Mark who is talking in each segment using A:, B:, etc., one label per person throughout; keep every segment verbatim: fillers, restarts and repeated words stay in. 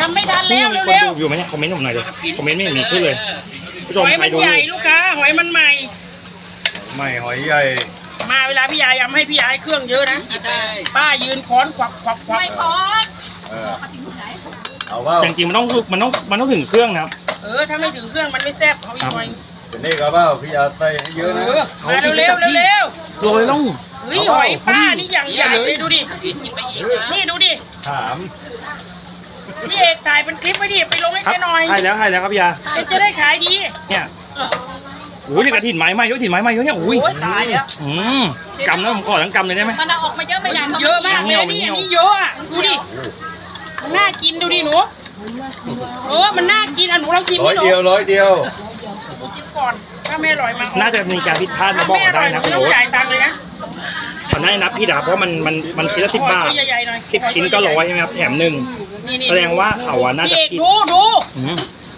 A: ยังไม่ทันแล้ว
B: นี่มีคน
A: เร็ว
B: ดูอยู่ไหมเนี่ยคอมเมนต์ผมหน่อยเลยคอมเมนต์ไม่มีขึ้นเลยผู้ช
A: ห
B: ม
A: อย
B: ใคร
A: มัน
B: ดู
A: ใหญ่ลูกค้าหอยมันใหม่
C: ไม่หอยใหญ่
A: มาเวลาพี่ยายยำให้พี่ยายเครื่องเยอะนะป้ายืนค้อนควักควักควัก
C: เออเอาว่า
B: จริงๆมันต้องมันต้องมันต้องถึงเครื่องนะครับ
A: เออถ้าไม่ถึงเครื่องมันไม่แซ่บเอาอีกหน่อย
C: เป็นนี่ก็เปล่าพี่อาใส่ให้เยอะ
A: เอ
C: นะ
A: อมาเร็วๆเร็ว
B: โรยต้อง
A: ๆเฮ้ยหอยป้านี่อย่างใหญ่เลยดูดินี่ดูดิ
C: ถาม
A: พี่เอกถ่ายเป็นคลิปไว้ดิไปลงให้
B: ครับ
A: แกหน่อย
B: ให้แล้วให้แล้วครับพี่ยา
A: แกจะได้ขายดี
B: เนี่ยโอ้ยนี่กระถิ่นไม้ไหมเยอะถิ่นไม้ไหมเยอะเนี่ยโอ้ย
A: โอ้ยตายแล้ว
B: อืมกำนะผมขอทั้งกำเลยได้ไหม
D: มันเอาออกมาเยอะไม่ได้
A: เยอะมากเลยนี่อันนี้เยอะอ่ะดูดิมันน่ากินดูดิหนูเออมันน่ากินอ่ะหนูลองชิม
C: ร้อ
A: ดิ
C: ย
A: หนู
C: เดียวร้อยเดียว
A: ชิมก่อนถ้าไม่อร่อยมา
B: น่าจะมีการผิดพลาดมาบอก
A: ไม่อ
B: ได้
A: ร่อยหนู
B: นะ
A: ไม่
B: คุณ
A: ต้อ
B: โอ๊
A: ง
B: ต
A: จ่ายตังค์เลยนะ
B: ขอได้นับพี่ดาเพราะมันมันมันชิ้นละสิบบาท
A: ตัวใหญ่ๆหน่อย
B: สิบชิ้นก็ร้อยใช่ไหมครับแถมหนึ่ง
A: นี่ๆ
B: แสดงว่าเขาอะน่าจะ
A: พี่เอก
B: ผิด
A: ดูดู
B: อืม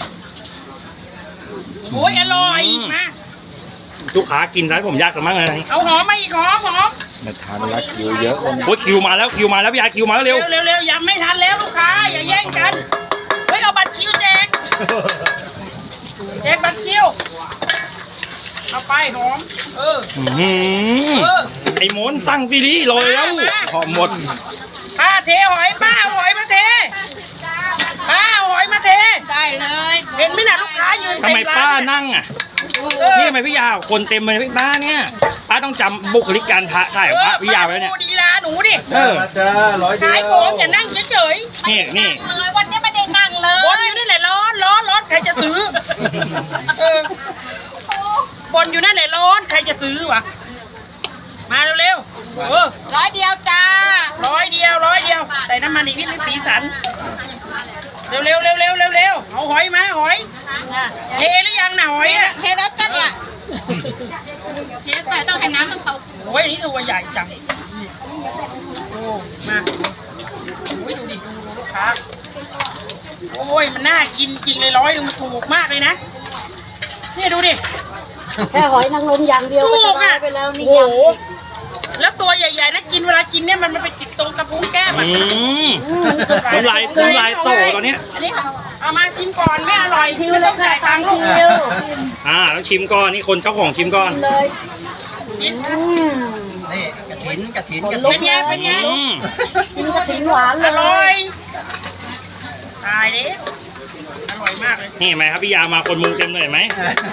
A: โอ้ยอร่อย
B: อืม
A: มา
B: ลูกค้ากินแล้วผมยากกันมากเลย
A: เอาหอมมาอีกหอมหอม
C: มาทานละคิวเยอะเลย
B: โอ้ยคิวมาแล้วคิวมาแล้วพี่ยาคิวมาแล้ว
A: เร็
B: เร็
A: ว
B: ว
A: เร็วเร็วยังไม่ทันแล้วลูกค้าอย่าแย่งกันเฮ้ยเอาบัตรคิวแจกแจกบัตรคิวเอาไปหอมเออ
B: อื้อหือ
A: เออ
B: ไอ้หมนตั้งซีรีส์ลอยแล้ว
A: มา
B: หอมหมด
A: ป้าเทหอยป้าเอาหอยมาเทป้าเอาหอยมาเท
D: ได้เลย
A: เห็นไหมน่ะลูกค้ายืน
B: ทำไม
A: เต็ร้
B: ป้าน
A: เนี่ย
B: นั่งอ่ะ
A: เออ
B: นี่ทำไมพี่ยาคนเต็มเลยพี่ป้าเนี่ยป้าต้องจำบุคลิกการถ่ายของป้าพี่ยาไว้เนี่ย
A: ดูดีลาหนูดิ
B: เออ
C: มาจ้าร้อยเดียว
A: ขายโกงอย่านั่งเฉย
B: นี่นี่
D: เลยวันนี้ไม่ได้นั่งเล
A: ๆบน
D: ย
A: อยู่นั่นแหละร้อนร้อนร้อนใครจะซื้อเออ บนอยู่นั่นแหละร้อนใครจะซื้อวะมาเร็วๆเออ
D: ร้อยเดียวจ้า
A: ร้อยเดียวร้อยเดียวใส่น้ำมันอีกนิดนึงสีสันเร็วเร็วเร็วเร็วเร็วเร็วเอาหอยมาหอยเทหรือยังน่ะหอยอะ
D: เทแล้วจ้ะเนี่ยเทแต่ต้องให้น้ำมันตก
A: โอ้ยอันนี้ตัวใหญ่จังโอ้มาโอ้ยดูดิดูดูลูกค้าโอ้ยมันน่ากินจริงเลยร้อยหนึงมันถูกมากเลยนะนี่ดูดิ
E: แค่หอยนางรมอย่างเดียวก็
A: ถู
E: จะ
A: ก
E: ได้
A: อ่ะ
E: ไปแล้วนี่
A: โอ้
E: ยั
A: โห
E: ง
A: แล้วตัวใหญ่ๆนะกินเวลากินเนี่ยมันมันไปติดตรงกระพุ้งแก้ม
B: อื
A: อ่ะ
B: มน้ำลายน้ำลายโตตอนเนี้ย
D: อันนี้ค่ะ
A: เอามาชิมก่อนไม่อร่อย
E: คิว
A: ไม่
E: เล
A: ต้อย ง
E: ค่ะ
A: จ่ายตั
E: ตาง ม
A: ค์ลูก
E: คิว
B: อ่าแล้วชิมก่อนนี่คนเจ้าของชิมก่อน
E: เลย
A: กิน
E: อืม
F: นี่กระถินกระถิน
E: ขน
F: กระ
E: ลุ
F: ถิ
E: ก
F: น
A: เป็นไงเป็นไง
B: อืม
E: กินกระถิ่นหวานเล
A: อย ร่อยตายเลยอร่อยมากเลย
B: นี่เห็นไหมครับพี่ยามาคนมุงเต็มเลยเห็นไหม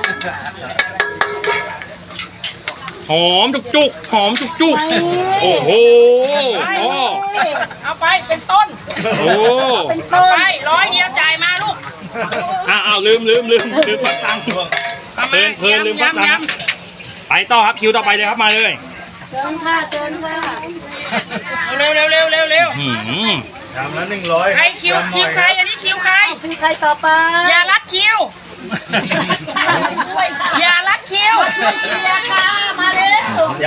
B: หอมจุกจุกหอมจุกจุกโอ้โหโอ้
A: เอาไปเป็นต้น
B: โอ้
E: เป็น
A: เอา
E: ต้น
A: ไปร้อยเดียวจ่ายมาลูก
B: อ้าวอ้าวลืมลืมลืมลืมปักตังค์
A: อา
B: เพลินเพลินลืมปักตัง
A: ยำ
B: ค์ ไปต่อครับคิวต่อไปเลยครับมาเลย
E: เชิญค่ะเชิญค่ะ
A: ๆเร็วเร็วเร็วเร็วเร็ว
B: อืม
C: ชามละหนึ่งร้อย
A: ใครคิวคิวใครอันนี้คิวใคร
E: คิวใครต่อไป
A: อย่ารัดคิว
E: ช่วยค่ะ
A: อย่ารัดคิว
E: ช่วยเชียร์ค่ะมาเร็วย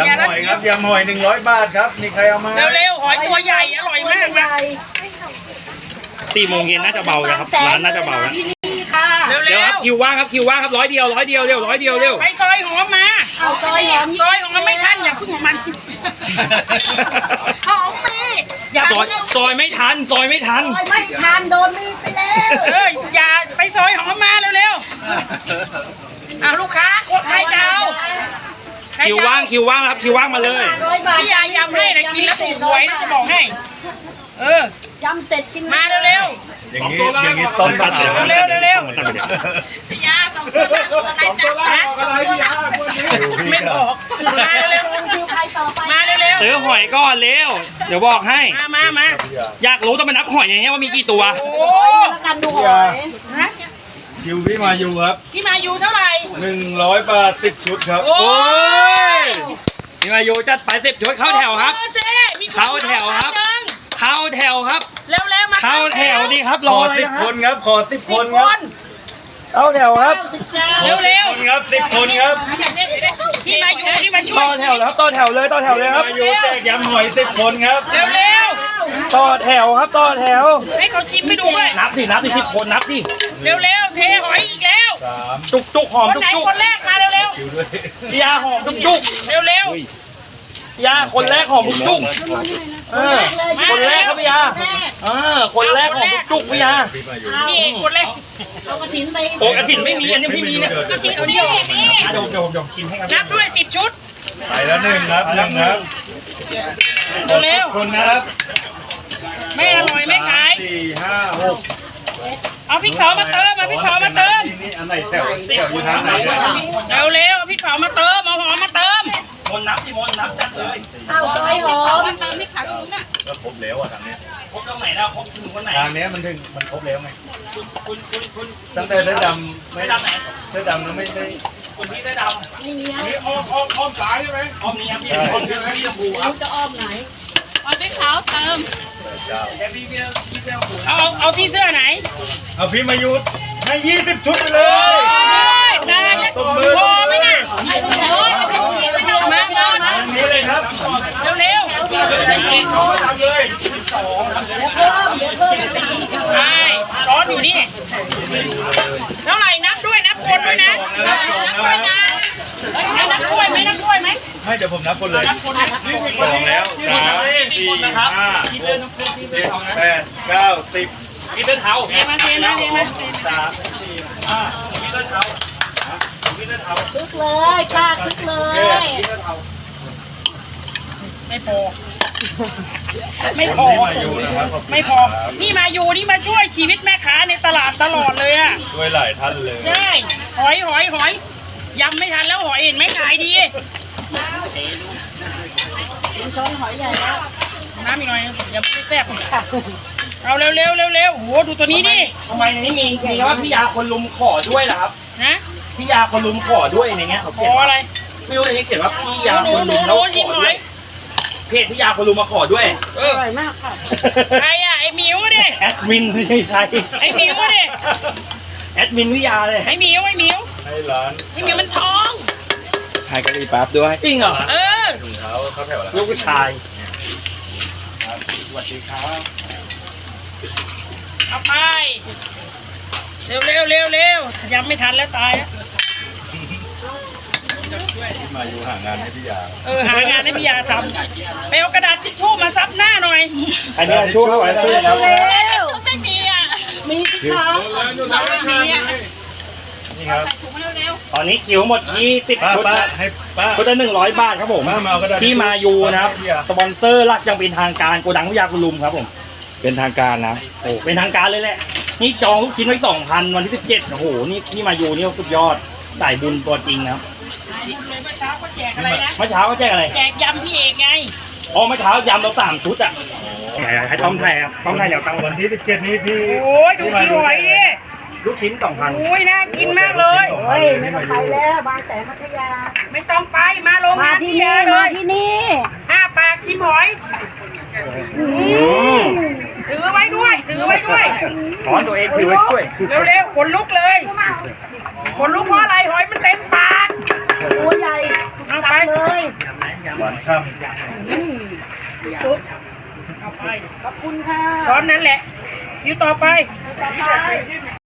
C: ำหอยครับยำหอยหนึ่งร้อยบาทครับมีใครเอามา
A: เร็วเร็วๆหอยตัวใหญ่อร่อยมาก
E: ให
A: นะ
E: ญ่
B: สี่โมงเย็นน่าจะเบาแล้วครับร้านน่าจะเบาแล้ว
E: ที่นี่ค่ะ
A: เร็ว
B: เดี๋
A: เร็
B: ยวคว รับคิวว่างครับคิวว่างครับร้อยเดียวร้อยเดียวเร็วร้อยเดียวเร็ว
A: ไปซอยหอมมา
E: เอาซอยหอม
A: ซอยหอมไม่ทันอย่าพึ่งของมัน
D: หอมปี
A: อย่า
B: ซอยซอยไม่ทันซอยไม่ทัน
E: ซอยไม่ทานโดนมีดไปแล้ว
A: เอออย่าไปซอยหอมมาเร็วๆอ่ะลูกค้าใครจะเอาใรจะ
B: คิว
A: เอ
B: ว่างคิวว่างครับคิวว่างมาเลย
E: ร้อยบาท
A: พี่ยายยำให้นะกินแล้วถูกหวยนะจะบอกให้ เออ
E: ยำเสร็จชิ้น
A: มาเร็ว
C: อย่างนี้อย่างนี้ต้น
B: ตัด
C: มะ
B: เดี๋ยว
C: ขาม
A: เร็ว
D: พี่ยาสองตัวละอะไรจ้ะ
A: ๆนะไม่บอกมาเร็ว
E: คิวใครต่อไป
A: ๆมาเร็ว
B: ซื้อหอยก่อนเร็วเดี๋ยวบอกให้
A: ๆมามามา
B: อยากรู้ต้องไปนับหอยอย่างเงี้ยว่ามีกี่ตัว
A: โอ้
E: แล้วกันดูหอย
A: ฮะ
C: คิวพี่มาอยู่ครับ
A: พี่มาอยู่เท่าไหร่
C: หนึ่งร้อยบาทสิบชุดครับ
A: โอ้
B: โอ้ยนี่มาโยจัดไปสิบชุดเข้าแถวครับ
A: โอ้เจ๊มีน
B: เข้าแถวครับ เข้าแถวครับ
A: เร็วๆมา
B: เข้าแถวดิครับ
C: ข
B: รอ
C: อ
B: เลย
C: สิบ
B: นะค
C: ครับ นครับ ขอสิบ
A: สิบ
C: คน
A: ค
C: ครับ
A: น
B: เข้าแถวครับ
A: เร็ว
C: คนครับสิบคนครับ
A: ๆพี่มาอยู่ที่มาช่ว
B: ต่อย แถวแล้วต่อแถวเลยต่อแถวเลยครับ
C: มาอยู่แจกยำหอยสิบคนครับ
A: เร็ว
B: ต่อแถวครับต่อแถว
A: ๆให้เขาชิมไปดูด้วย
B: นับสินับสิสิบคนนับสิ
A: เร็วๆเทหอยอีกแล้ว
C: สาม
B: จุกจุกหอม
A: คน
B: จุก
A: ไหน
B: จุก
A: คนแรกมาเร็ว
C: คิวด้วย
B: พี่ยาหอมจุกจุก
A: ๆเร็ว
B: อุ้ยยาคนแรกของจุกเออคนแรกครับพี่ยาเออคนแรกของจุกพี่ยา
A: นี่คนแรก
E: เอากระถินไป
B: โอ้กระถิ่นไม่มีอันนี้พี่มีเนี่ย
D: กระถิ่นเอานี่นี่
B: เดี๋ยวเดี๋ยวเดี๋ยวชิมให้ครับ
A: นับด้วยสิบชุด
C: ไปแล้วหนึ่งครับหนึ่งครับ
A: เร็ว
C: คนนะครับ
A: ๆไม่อร่อยไม่ขาย
C: สี่ห้าหก
A: เอาพริกเผามาเติมเอาพริกเผามาเติม
C: นี่อันไหนแถวแถวอยู่ทางไหนเนี่ย
A: เร็วเร็วๆเอาพริกเผามาเติมเอาหอมมาเติม
B: มนนับที่มนนับจัดเลย
E: เอาซอยหอม
D: มันเติมที่ขาตรงนู้นน่ะ
C: ก็ครบแล้วอ่ะทางเนี้ย
B: ครบตรงไหนแล้วครบถึงวันไหน
C: ทางเนี้ยมันถึงมันครบแล้วไง
B: คุณคุณคุณ
C: ตั้งแต่เสื้อดำไม่
B: ไม่ดำไหน
C: เสื้อดำนั้นไม่ได้
B: คุณพี่ได้ดำ
E: นี่ไง
B: อันนี้อ้อมอ้อมอ้อมสายใช่ไหมอ้อมนี้ครับพี่อ้อมพี่พี่ชมพูครับ
E: จะอ้อมไหน
D: เอาที่ขาวเติม
C: เจ้า
B: แต่พี่พี่พี่ชมพู
A: เอาเอาเอาที่เสื้อไหน
C: เอาพี่มายุทธให้ยี่สิบชุดไปเลย
A: ได้แล้ว
C: ตบมือ
A: พอไหมน่ะ
E: โอ้ยไม่ต้องเสียไม่ต้อง
A: มา
E: มา
A: มา
C: ทางนี้เลยครับ
A: เร็วเร็ว
C: ทำเลย
E: เดี๋ยวเพิ่มเดี๋ยวเพิ่ม
A: ๆใช่ร้อนอยู่นี่เท่าไหร่นับด้วยนับคนด้วยนะ
C: นับสองนะครับ
A: เฮ้ยให้นับกล้วยไหมนับกล้วยไหม
C: ให้เดี๋ยวผมนับคนเลย
A: นับคนนะ
C: สองแล้วสามสี่ห้าหกเจ็ดแปดเก้าสิบ
B: พี่เดินเท้า
A: เทมาเทมาเทมา
C: สามสี่ห้า
B: พี่เดินเท้าพี่เดินเท้า
E: คึกเลยป้าคึกเล
C: เจ็ด
E: ย
C: พี่เดินเอา
A: ไม่พอ ไม่พอ
C: คนที่มาอยู่นะครับขบคุณ
A: ไม่พอ
C: ครับ
A: นี่มาอยู่นี่มาช่วยชีวิตแม่ค้าในตลาดตลอดเลยอ่ะ
C: ช่วยหลายท่านเลย
A: ใช่ หอยหอยหอยยำไม่ทันแล้วหอยเห็นไหมขายดี
E: เป็นช้อนหอยใหญ่แล้ว
A: น้ำอีกหน่อยอย่าไม่แซ่บเอาเร็วเร็วเร็วเร็วโหดูตัวนี้ดิ
B: ทำไมในนี้มีมีว่าพี่ยาคนลุมขอด้วยเหรอครับ
A: นะ
B: พี่ยาคนลุมขอด้วยในเงี้ยเขา
A: ข
B: เขีย
A: อน
B: ว่า
A: อะไร
B: ไม่รู้ในนี้เขียนว่าพี่ยา
A: หนู
B: คน
A: หนู
B: ลุม
A: ห
B: แล้
A: นู
B: วข
A: ชิม
B: อ
A: ห
B: ด้
A: อ
B: วย ยเพจพี่ยาคนลุมมาขอด้วยเอ
E: อ
B: อ
E: ร่อยมากค่ะ
A: ใครอ่ะไอ้หมิวดิ
B: แอดมินไม่ใช่ใคร
A: ไอ้หมิวดิ
B: แอดมินพี่ยาเลย
A: ไอ้หมิวไอ้หมิว
C: ให้ร้าน
A: ไอ้หมิวมันท้อง
B: ขายกะหรี่ปั๊บด้วยจริงเหรอ
A: เออ
C: ถุงเท้าเข้าแถวแล้ว
B: ลูกผู้ชาย
C: ครับสวัสดีครับ
A: เอาไป เร็วเร็วเร็วเร็วยังไม่ทันแล้วตายแล้ว
C: ที่มาอยู่หางานให้พี่ยา
A: เออหางานให้พี่ยาทำไปเอากระดาษทิชชู่มาซับหน้าหน่อย
B: อันนี้ช่วยไว้ด้วยครับ
E: เร็ว
D: ไม่มีอ่ะ
E: มีสิคะ
D: เราไม่มีอ่ะ
C: นี่ครับ
D: ใส่ถุงมาเร็ว
B: ตอนนี้คิวหมดยี่สิบ
C: ป้า
B: ชุด
C: ป้า
B: นะ
C: ให้ป้า
B: ชุดละหนึ่งร้อยบาทครับผม
C: มามาเอากระดาษ
B: ที่มายูนะครับ
C: พี่ยา
B: สปอนเซอร์หลักยังเป็นทางการโกดังพิยาคุณลุมครับผม เป็นทางการนะโอ้เป็นทางการเลยแหละ นี่จองลูกชิ้นไว้สองพันวันที่สิบเจ็ดโอ้โห นี่นี่มายูนี่สุดยอดสายบุญตัวจริงนะครับ
A: บุญเลยเมื่อเช้าก็แจกอะไรนะ
B: เมื่อเช้าก็แจ้งอะไร
A: แจกยำพี่เอกไง
B: อ๋อเมื่อเช้ายำเราสามชุดอ่ะให้ต้อมไทยครับต้อมไทยเดี๋ยวตังค์
C: วั
B: วัน น
C: ที่สิบเจ็ดนี้พี่
A: โอ้ยดูพี่หอยดิ
B: ลูกชิ้นสองพัน
A: โอ้ยน่ากินมากเลย
E: เฮ้ยไม่ต้องไปแล้วบางแสนพัทยา
A: ไม่ต้องไปมาโรง
E: มาง
A: าน
E: ที่
A: พี่
E: นี่
A: ยาเล
E: มาย ที่นี่
A: ห้าปากชิมหอยถือไว้ด้วย ถือไว้ด้วย
B: ถอนตัวเองถือไว้ช่วย
A: เร็วๆขนลุกเลยขนลุกเพราะอะไรหอยมันเต็มปาก
E: ตัวใหญ่
A: เอาไป
E: เลย
C: หวานช่ำ
A: เอาไป
E: ขอบคุณค่ะ
A: ตอนนั้นแหละอยู่ต่อไป
E: ต่อไป